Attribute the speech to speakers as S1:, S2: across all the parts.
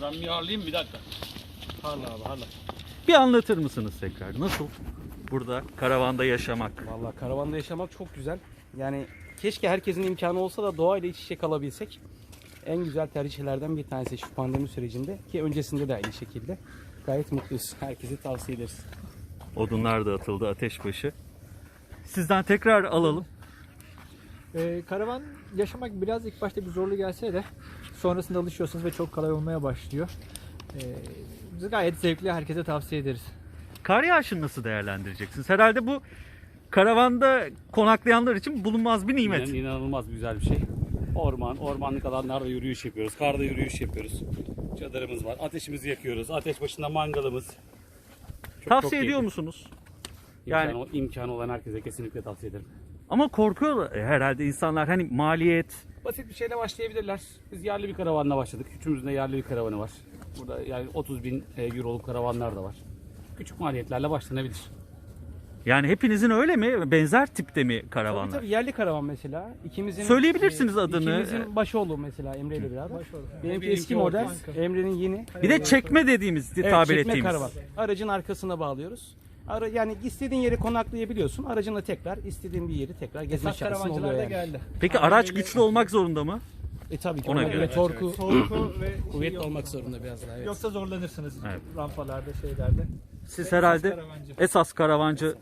S1: Ben bir alayım bir dakika.
S2: Hala abi hala.
S3: Bir anlatır mısınız tekrar? Nasıl burada karavanda yaşamak?
S2: Vallahi karavanda yaşamak çok güzel. Yani keşke herkesin imkanı olsa da doğayla iç içe kalabilsek. En güzel tercihlerden bir tanesi şu pandemi sürecinde ki öncesinde de aynı şekilde. Gayet mutluyuz. Herkese tavsiye ederiz.
S3: Odunlar da atıldı ateşbaşı. Sizden tekrar alalım.
S4: Karavan yaşamak biraz ilk başta bir zorlu gelse de sonrasında alışıyorsunuz ve çok kolay olmaya başlıyor. Biz gayet zevkli, herkese tavsiye ederiz.
S3: Kar yağışını nasıl değerlendireceksiniz? Herhalde bu karavanda konaklayanlar için bulunmaz bir nimet.
S1: Yani inanılmaz güzel bir şey. Ormanlık alanlarda yürüyüş yapıyoruz. Karda yürüyüş yapıyoruz. Çadırımız var. Ateşimizi yakıyoruz. Ateş başında mangalımız.
S3: Tavsiye ediyor
S1: keyifli.
S3: musunuz?
S1: İmkanı olan herkese kesinlikle tavsiye ederim.
S3: Ama korkuyor herhalde insanlar, hani maliyet.
S1: Basit bir şeyle başlayabilirler. Biz yerli bir karavanla başladık. Üçümüzün de yerli bir karavanı var. Burada yani 30.000 euroluk karavanlar da var. Küçük maliyetlerle başlanabilir.
S3: Yani hepinizin öyle mi? Benzer tipte mi
S2: Tabii
S3: karavanlar?
S2: tabii yerli karavan mesela. İkimizin
S3: Söyleyebilirsiniz adını.
S2: İkimizin Başoğlu mesela Emre ile beraber. Benimki
S1: Benimki
S2: eski model.
S4: Orta.
S2: Emre'nin yeni.
S3: Bir de çekme dediğimiz,
S2: Evet,
S3: tabir
S2: çekme
S3: ettiğimiz.
S2: karavan. Aracın arkasına bağlıyoruz. Yani istediğin yere konaklayabiliyorsun. Aracınla tekrar istediğin bir yeri tekrar gezme
S4: Esas
S2: şansın oluyor
S4: karavancılar da
S2: yani.
S4: geldi.
S3: Peki araç güçlü olmak zorunda mı?
S2: Tabii ki
S3: Ona
S2: ona
S3: göre.
S2: göre torku
S4: Korku ve
S2: kuvvetli olmak zorunda biraz daha. Evet.
S4: Yoksa zorlanırsınız
S3: Evet.
S4: rampalarda, şeylerde.
S3: Siz herhalde
S4: karavancı.
S3: esas karavancı.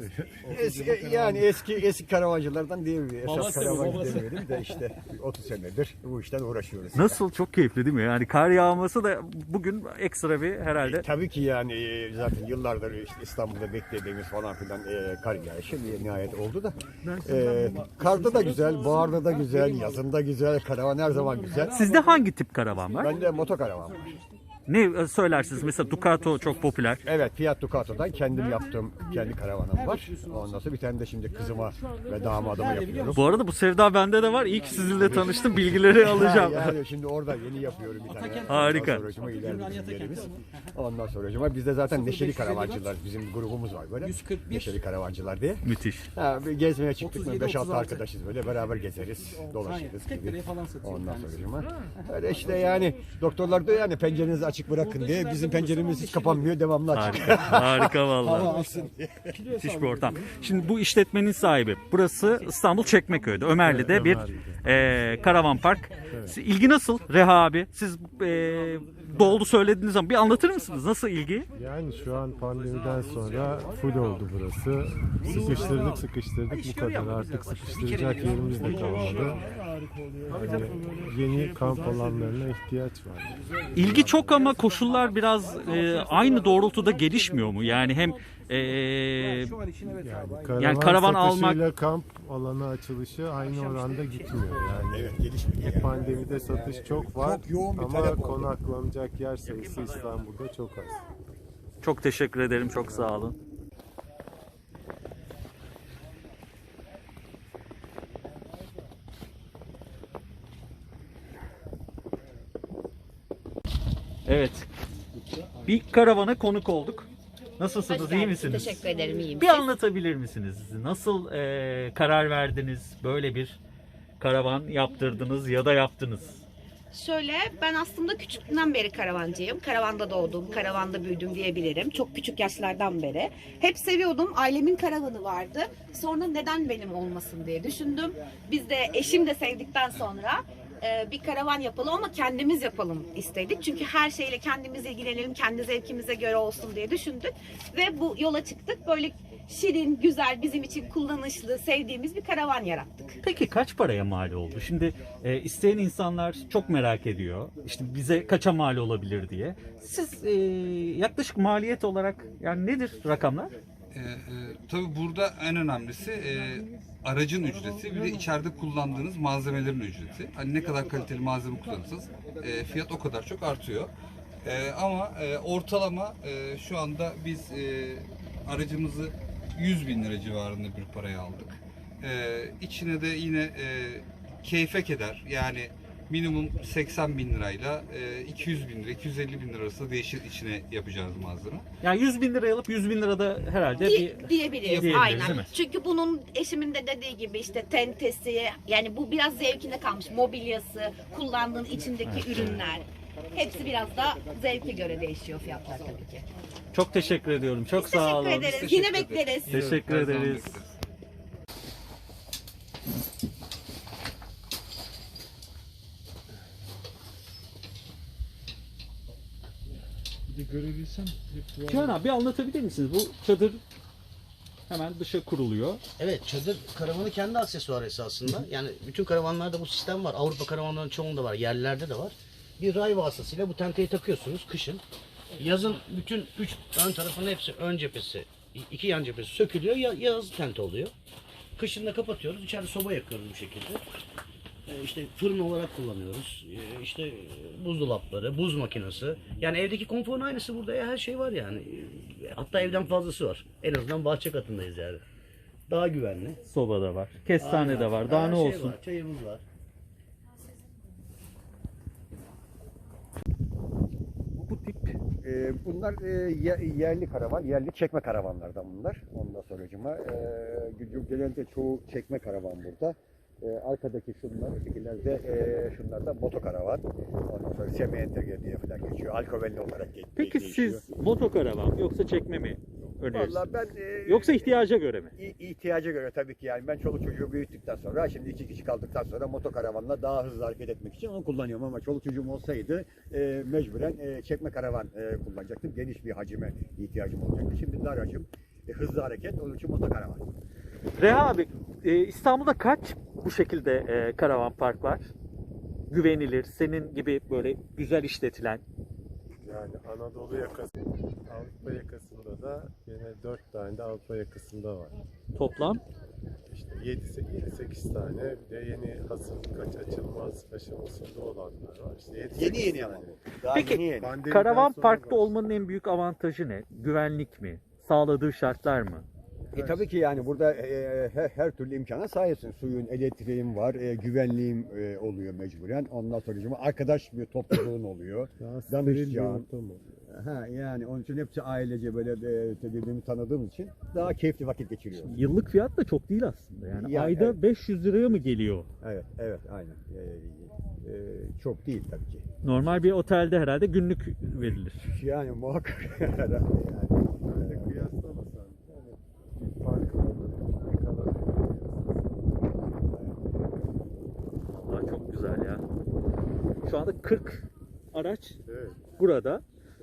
S5: Eski karavancılardan değil mi? Esas
S1: Babası,
S5: karavancı
S1: babası.
S5: demeyelim de işte 30 senedir bu işten uğraşıyoruz.
S3: Nasıl, çok keyifli değil mi? Yani kar yağması da bugün ekstra bir herhalde.
S5: Tabii ki yani zaten yıllardır işte İstanbul'da beklediğimiz falan filan kar yağışı nihayet oldu da. Karda da güzel, baharda da güzel, yazında güzel, karavan her zaman güzel.
S3: Sizde hangi tip karavan var?
S5: Bende motokaravan var.
S3: Ne söylersiniz? Mesela Ducato çok popüler.
S5: Evet, Fiat Ducato'dan kendim yaptığım kendi karavanım var. Ondan sonra bir tane de şimdi kızıma ve damadıma yapıyorum.
S3: Bu arada bu sevda bende de var. İyi ki sizinle tanıştım. Bilgileri alacağım.
S5: Yani şimdi orada yeni yapıyorum bir tane.
S3: Harika.
S5: Ondan sonracıma ileride bizim yerimiz. Ondan sonracıma bizde zaten neşeli karavancılar, bizim grubumuz var böyle.
S2: 141.
S5: Neşeli karavancılar diye.
S3: Müthiş.
S5: Ha, bir gezmeye çıktık mı
S2: 37,
S5: 5-6
S2: 36.
S5: arkadaşız böyle beraber gezeriz, dolaşırız
S2: 40
S5: gibi.
S2: liraya falan satıyor.
S5: Ondan sonracıma. Öyle işte yani doktorlar diyor yani pencerenizi açık bırakın diye. Bizim penceremiz hiç kapanmıyor, devamlı açık.
S3: Harika. Harika vallahi.
S5: Hava alsın diye.
S3: Müthiş bir ortam. Şimdi bu işletmenin sahibi. Burası İstanbul Çekmeköy'de. Ömerli'de bir karavan park. İlgi nasıl Reha abi? Siz doldu söylediğiniz zaman bir anlatır mısınız? Nasıl ilgi?
S6: Yani şu an pandemiden sonra full oldu burası. Sıkıştırdık bu kadar. Artık sıkıştıracak yerimiz de kalmadı. Yani yeni kamp alanlarına ihtiyaç var.
S3: İlgi çok ama koşullar biraz aynı doğrultuda gelişmiyor mu? Yani hem
S2: Şu an için evet abi.
S6: Karavan,
S3: karavan
S6: satışıyla
S3: almak-
S6: kamp alanı açılışı aynı oranda gitmiyor. Yani
S5: Evet, gelişmiyor.
S6: pandemide satış çok var
S5: Çok yoğun bir
S6: ama
S5: talep oldu.
S6: konaklanacak yer sayısı İstanbul'da çok az.
S3: çok teşekkür ederim. Çok sağ olun. Evet. Bir karavana konuk olduk. Nasılsınız?
S7: Hoş
S3: İyi
S7: geldiniz.
S3: misiniz?
S7: Teşekkür ederim, iyiyim.
S3: Bir
S7: Siz?
S3: anlatabilir misiniz? Nasıl karar verdiniz? Böyle bir karavan yaptırdınız ya da yaptınız.
S7: Şöyle, ben aslında küçüklüğümden beri karavancıyım. Karavanda doğdum, karavanda büyüdüm diyebilirim. Çok küçük yaşlardan beri. Hep seviyordum. Ailemin karavanı vardı. Sonra neden benim olmasın diye düşündüm. Biz de eşim de sevdikten sonra bir karavan yapalım ama kendimiz yapalım istedik. Çünkü her şeyle kendimiz ilgilenelim, kendi zevkimize göre olsun diye düşündük. Ve bu yola çıktık. Böyle şirin, güzel, bizim için kullanışlı, sevdiğimiz bir karavan yarattık.
S3: Peki kaç paraya mal oldu? Şimdi isteyen insanlar çok merak ediyor. İşte bize kaça mal olabilir diye. Siz yaklaşık maliyet olarak yani nedir rakamlar?
S8: Tabii burada en önemlisi aracın ücreti, bir de içeride kullandığınız malzemelerin ücreti. Hani ne kadar kaliteli malzeme kullanırsanız fiyat o kadar çok artıyor. Ama ortalama şu anda biz aracımızı 100 bin lira civarında bir paraya aldık. İçine de yine keyfe keder. Yani minimum 80 bin lirayla 200 bin lira, 250 bin lira arasında değişir içine yapacağınız malzeme.
S3: Yani 100 bin liraya alıp 100 bin lirada herhalde
S7: Diyebiliriz
S3: diyebiliriz, değil
S7: aynen.
S3: mi?
S7: Çünkü bunun eşimin de dediği gibi işte tentesi, yani bu biraz zevkine kalmış. Mobilyası, kullandığın içindeki ürünler. Hepsi biraz da zevke göre değişiyor fiyatlar tabii ki.
S3: Çok teşekkür ediyorum. Çok sağ olun.
S7: Teşekkür ederiz. Yine bekleriz.
S3: Teşekkür
S8: Her zaman
S3: ederiz.
S8: bekleriz.
S3: Cihan abi bir anlatabilir misiniz? Bu çadır hemen dışa kuruluyor.
S9: Evet, çadır karavanı kendi aksesuarı esasında. Yani bütün karavanlarda bu sistem var. Avrupa karavanlarının çoğunda var, yerlerde de var. Bir ray vasıtasıyla bu tenteyi takıyorsunuz kışın. Yazın bütün 3 ön tarafının hepsi, ön cephesi, 2 yan cephesi sökülüyor. Yaz tente oluyor. Kışın da kapatıyoruz. İçeride soba yakıyoruz bu şekilde. İşte fırın olarak kullanıyoruz. İşte buzdolapları, buz makinesi. Yani evdeki konforun aynısı burada ya. Her şey var yani. Hatta evden fazlası var. En azından bahçe katındayız yani. Daha güvenli.
S3: Soba da var. Kestane de var. Daha
S9: Her
S3: ne
S9: şey
S3: olsun?
S9: var, çayımız var.
S3: Bu tip
S5: Bunlar yerli karavan, yerli çekme karavanlardan bunlar. Ondan sonracıma genelde çoğu çekme karavan burada. Arkadaki şunlar, ötekilerde şunlar da motokaravan. Ondan sonra semi entegre diye falan geçiyor. Alkovenli olarak
S3: Peki
S5: geçiyor.
S3: siz motokaravan yoksa çekme mi önerirsiniz?
S5: Vallahi ben
S3: Yoksa ihtiyaca göre mi?
S5: ihtiyaca göre tabii ki yani ben çoluk çocuğu büyüttükten sonra şimdi 2 kişi kaldıktan sonra motokaravanla daha hızlı hareket etmek için onu kullanıyorum ama çoluk çocuğum olsaydı mecburen çekme karavan kullanacaktım. Geniş bir hacime ihtiyacım olacaktı. Şimdi dar hacim, hızlı hareket onun için motokaravan.
S3: Reha abi İstanbul'da kaç bu şekilde karavan park var? Güvenilir, senin gibi böyle güzel işletilen.
S6: Yani Anadolu yakası, Avrupa yakasında da yine 4 tane de Avrupa yakasında var.
S3: Toplam
S6: İşte 7-8 tane, bir de yeni hazırlık açılmaz aşamasında olanlar var. İşte 7-8
S5: Yeni ama.
S6: tane.
S5: Daha
S3: Peki,
S5: yeni.
S6: Pandemiden
S3: karavan
S6: sonra
S3: parkta
S6: var.
S3: olmanın en büyük avantajı ne? Güvenlik mi? Sağladığı şartlar mı?
S5: Tabii ki yani burada her türlü imkana sahipsin. Suyun, elektriğin var, güvenliğin oluyor mecburen. Ondan sonra arkadaş bir topluluğun oluyor.
S6: Daha steril bir
S5: Danışacağın.
S6: ortam oluyor.
S5: Ha, yani onun için hepsi ailece böyle birbirini tanıdığımız için daha keyifli vakit geçiriyoruz.
S3: Yıllık fiyat da çok değil aslında. Yani
S5: Ya,
S3: ayda
S5: evet.
S3: 500 liraya mı geliyor?
S5: Evet, aynen. Çok değil tabii ki.
S3: Normal bir otelde herhalde günlük verilir.
S5: Yani muhakkak herhalde yani.
S6: Böyle kıyaslamasan yani bir farkı olur. Ne kadar
S3: Vallahi çok güzel ya. Şu anda 40 araç
S6: evet.
S3: burada.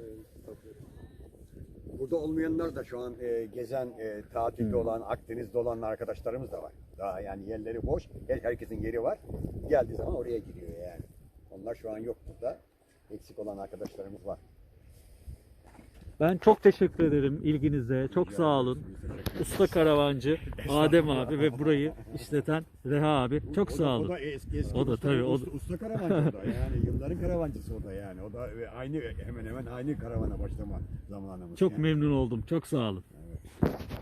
S5: Burada olmayanlar da şu an gezen, tatilde olan, Akdeniz'de olan arkadaşlarımız da var. Daha yani yerleri boş. Herkesin yeri var. Geldiği zaman oraya gidiyor yani. Onlar şu an yok burada. Eksik olan arkadaşlarımız var.
S3: Ben çok teşekkür ederim ilginize. Çok sağ olun. Usta karavancı Adem abi ve burayı işleten Reha abi. Çok sağ olun.
S5: O da eski
S3: O da tabii, o da-
S5: usta karavancı o da. Yani yılların karavancısı o da yani. O da hemen aynı karavana başlama zamanımız.
S3: Çok
S5: yani.
S3: memnun oldum. Çok sağ olun.